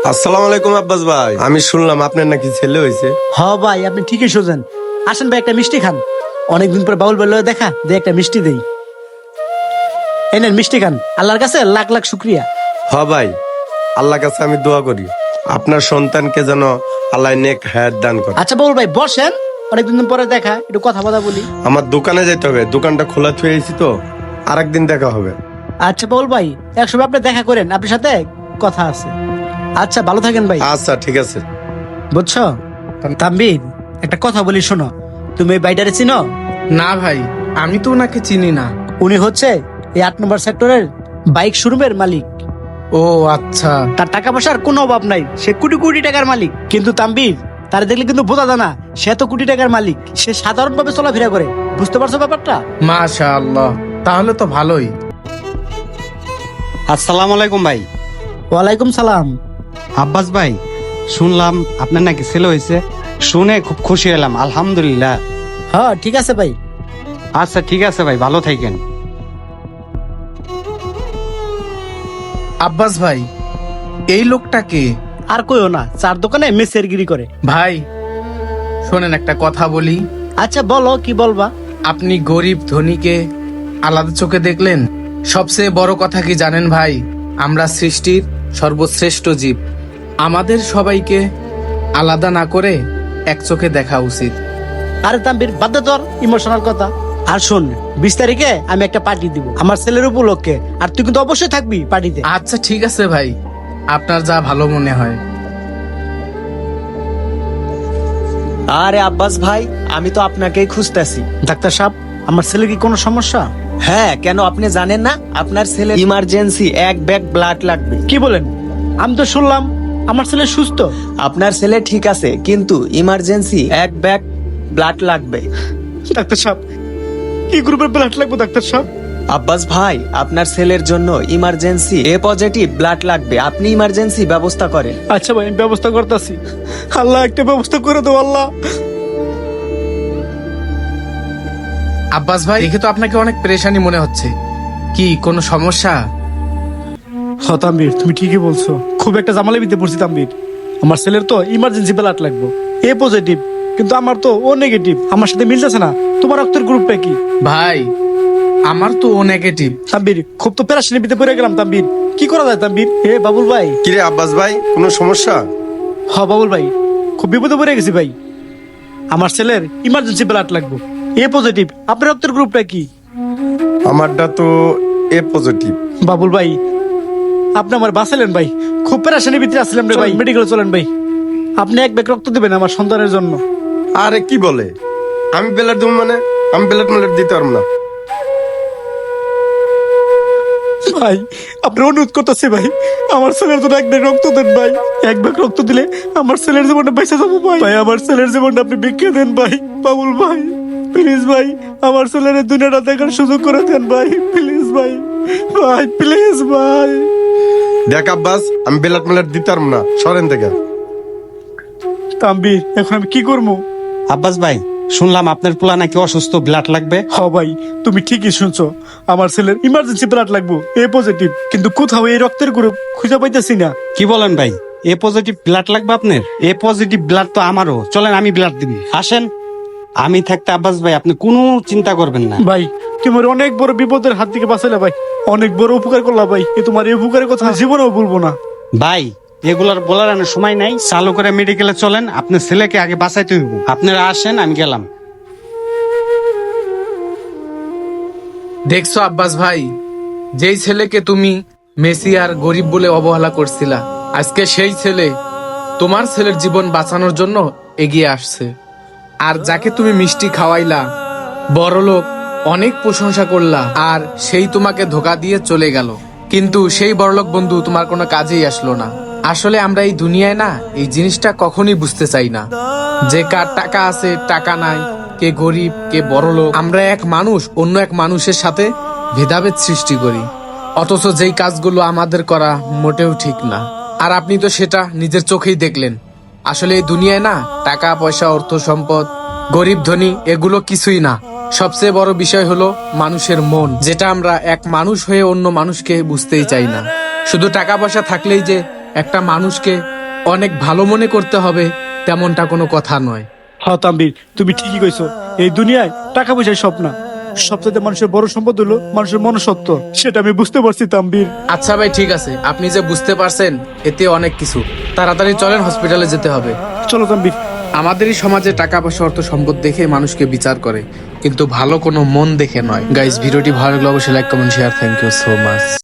আসসালামু আলাইকুম আব্বাস ভাই, আমি শুনলাম আপনার নাকি ছেলে হয়েছে। হ ভাই, আপনি ঠিকই সোজেন। আসেন ভাই, একটা মিষ্টি খান। অনেকদিন পর বাউল বললো দেখা দে, একটা মিষ্টি দেই। এই নেন মিষ্টি খান, আল্লাহর কাছে লাখ লাখ শুক্রিয়া। হ ভাই, আল্লাহর কাছে আমি দোয়া করি আপনার সন্তানকে যেন আল্লাহ নেক হায়াত দান করে। আচ্ছা বাউল ভাই বসেন, অনেকদিন পরে দেখা, একটু কথা বলি। আমার দোকানে যেতে হবে, দোকানটা খোলা থুয়েছি তো, আরেকদিন দেখা হবে। আচ্ছা বাউল ভাই, একসময় আপনি দেখা করেন, আপনার সাথে কথা আছে। আচ্ছা ভালো থাকেন ভাই। আচ্ছা ঠিক আছে। বুঝছো তাম্বির, একটা কথা বলি শোনো। তুমি এই বাইটারে চিনো? না ভাই, আমি তো ওনাকে চিনি না। উনি হচ্ছে এই 8 নম্বর সেক্টরের বাইক শোরুমের মালিক। ও আচ্ছা। তার টাকা পয়সার কোনো অভাব নাই, সে কোটি কোটি টাকার মালিক। কিন্তু তাম্বির, তার দেখলে কিন্তু বোঝা যায় না সে তো কোটি টাকার মালিক। সে সাধারণ ভাবে চলাফেরা করে, বুঝতে পারছো ব্যাপারটা? মাশাআল্লাহ, তাহলে তো ভালোই। আসসালামু আলাইকুম ভাই। ওয়ালাইকুম সালাম। আব্বাস ভাই, শুনলাম আপনার নাকি ছেলে হয়েছে, শুনে খুব খুশি হলাম, আলহামদুলিল্লাহ। হ্যাঁ ঠিক আছে ভাই। আচ্ছা ঠিক আছে ভাই, ভালো থাকেন। আব্বাস ভাই, এই লোকটাকে আর কইও না, চার দোকানে মেসের গিরি করে। ভাই শোনেন, একটা কথা বলি। আচ্ছা বলো, কি বলবা? আপনি গরিব ধনীকে আলাদা চোখে দেখলেন। সবচেয়ে বড় কথা কি জানেন ভাই? আমরা সৃষ্টির সর্বশ্রেষ্ঠ জীব। আমাদের সবাইকে আলাদা না করে এক চোখে দেখা উচিত। আরে তাম্বির, বাদ দে তোর ইমোশনাল কথা। আর শোন, 20 তারিখে আমি একটা পার্টি দিব আমার ছেলের উপলক্ষে, আর তুই কিন্তু অবশ্যই থাকবি পার্টিতে। আচ্ছা ঠিক আছে ভাই, আপনার যা ভালো মনে হয়। আরে আব্বাস ভাই, আমি তো আপনাকেই খুঁজতেছি। ডাক্তার সাহেব, আমার ছেলে কি কোনো সমস্যা? হ্যাঁ, কেন আপনি জানেন না? আপনার ছেলে ইমার্জেন্সি 1 ব্যাগ ব্লাড লাগবে। কি বলেন? আমি তো শুনলাম আমার ছেলে সুস্থ। আপনার ছেলে ঠিক আছে, কিন্তু ইমার্জেন্সি 1 ব্যাগ ব্লাড লাগবে। ডাক্তার সাহেব, কি গ্রুপের ব্লাড লাগবে ডাক্তার সাহেব? আব্বাস ভাই, আপনার ছেলের জন্য ইমার্জেন্সি এ পজিটিভ ব্লাড লাগবে। আপনি ইমার্জেন্সি ব্যবস্থা করেন। আচ্ছা ভাই, আমি ব্যবস্থা করতেছি। আল্লাহ একটা ব্যবস্থা করে দাও আল্লাহ। আব্বাস ভাই, দেখে তো আপনাকে অনেক পেরেশানি মনে হচ্ছে। কি কোনো সমস্যা? হ্যাঁ তাম্বির, তুমি ঠিকই বলছো, খুব একটা জামালে বিতে পড়ছি তাম্বির। আমার ছেলের তো ইমার্জেন্সি ব্লাড লাগবে, এ পজিটিভ, কিন্তু আমার তো ও নেগেটিভ। আমার সাথে মিলতেছে না। তোমার রক্তের গ্রুপটা কি? ভাই আমার তো ও নেগেটিভ। তাম্বির, খুব তো পেরেশানি বিতে পড়ে গেলাম তাম্বির। কি করা যায় তাম্বির? এ বাবুল ভাই। কিরে আব্বাস ভাই, কোনো সমস্যা? হ বাবুল ভাই, খুব বিপদে পড়ে গেছি ভাই। আমার ছেলের ইমার্জেন্সি ব্লাড লাগবে, এ পজিটিভ। আপনার রক্তের গ্রুপটা কি? আমারটা তো এ পজিটিভ। বাবুল ভাই, আপনি আমার বাঁচালেন ভাই। খুব পেরেশানি ভিতরে আসছিলাম রে ভাই। মেডিকেলে চলেন ভাই, আপনি 1 ব্যাগ রক্ত দেবেন আমার সন্তানের জন্য। আরে কি বলে, আমি ব্লাড দেবো মানে? আমি ব্লাড দিতে পারবো না। ভাই আপনি অনুরোধ করতেছি ভাই, আমার ছেলের জন্য 1 ব্যাগ রক্ত দেন ভাই। 1 ব্যাগ রক্ত দিলে আমার ছেলের জীবনটা বেঁচে যাবো ভাই। ভাই আমার ছেলের জীবনটা আপনি ভিক্ষা দেন ভাই। বাবুল ভাই প্লিজ ভাই, আমার ছেলের এই দুনিয়াটা দেখার সুযোগ করে দেন ভাই, প্লিজ ভাই। ভাই প্লিজ ভাই। দেখ আব্বাস, আমি ব্লাড দিতে পারবো না, সরেন থেকে। তাম্বির, এখন আমি কি করবো? আব্বাস ভাই, শুনলাম আপনার পোলা নাকি অসুস্থ, ব্লাড লাগবে। হ ভাই, তুমি ঠিকই শুনছো, আমার ছেলের ইমার্জেন্সি ব্লাড লাগবে, এ পজিটিভ। কিন্তু কোথাও এই রক্তের গ্রুপ খুঁজে পাইতেছি না। কি বলেন ভাই, এ পজিটিভ ব্লাড লাগবে আপনার? এ পজিটিভ ব্লাড তো আমারও, চলেন আমি ব্লাড দিব। আসেন, আমি থাকতে আব্বাস ভাই আপনি কোনো চিন্তা করবেন না। ভাই তোমার অনেক বড় বিপদের হাত থেকে বাঁচাইলে ভাই, অনেক বড় উপকার করলা ভাই। এ তোমার এই উপকারের কথা জীবনেও বলবো না ভাই। এগুলার বলার আর সময় নাই, চালু করে মেডিকেলে চলেন, আপনার ছেলেকে আগে বাঁচাইতে হইব। আপনারা আসেন, আমি গেলাম। দেখছো আব্বাস ভাই, যেই ছেলেকে তুমি মেসি আর গরিব বলে অবহেলা করছিলা, আজকে সেই ছেলে তোমার ছেলের জীবন বাঁচানোর জন্য এগিয়ে আসছে। আর যাকে তুমি মিষ্টি খাওয়াইলা, বড়লোক অনেক প্রশংসা করলা, আর সেই তোমাকে ধোকা দিয়ে চলে গেল। কিন্তু সেই বড়লোক বন্ধু তোমার কোনো কাজেই আসলো না। আসলে আমরা এই দুনিয়ায় না, এই জিনিসটা কখনই বুঝতে চাই না যে কার টাকা আছে টাকা নাই, কে গরিব কে বড়লোক। আমরা এক মানুষ অন্য এক মানুষের সাথে ভেদাভেদ সৃষ্টি করি, অথচ যেই কাজগুলো আমাদের করা মোটেও ঠিক না। আর আপনি তো সেটা নিজের চোখেই দেখলেন। আসলে এই দুনিয়ায় না, টাকা পয়সা অর্থ সম্পদ গরিব ধনী এগুলো কিছুই না। সবচেয়ে বড় বিষয় হলো মানুষের মন, যেটা আমরা এক মানুষ হয়ে অন্য মানুষকে বুঝতেই চাই না। শুধু টাকা পয়সা থাকলেই যে একটা মানুষকে অনেক ভালো মনে করতে হবে তেমনটা কোনো কথা নয়। হ্যাঁ তাম্বির, তুমি ঠিকই কইছো। এই দুনিয়ায় টাকা পয়সার সব না, সবচেয়ে মানুষের বড় সম্পদ হলো মানুষের মনুষ্যত্ব। সেটা আমি বুঝতে পারছি তাম্বির। আচ্ছা ভাই, ঠিক আছে, আপনি যে বুঝতে পারছেন এতে অনেক কিছু। তাড়াতাড়ি চলেন, হসপিটালে যেতে হবে। চলো তাম্বির। আমাদের এই সমাজে টাকা পয়সা অর্থ সম্পদ দেখে মানুষকে বিচার করে, কিন্তু ভালো কোনো মন দেখে নয়। গাইস, ভিডিওটি ভালো লাগলে অবশ্যই like comment share. Thank you so much.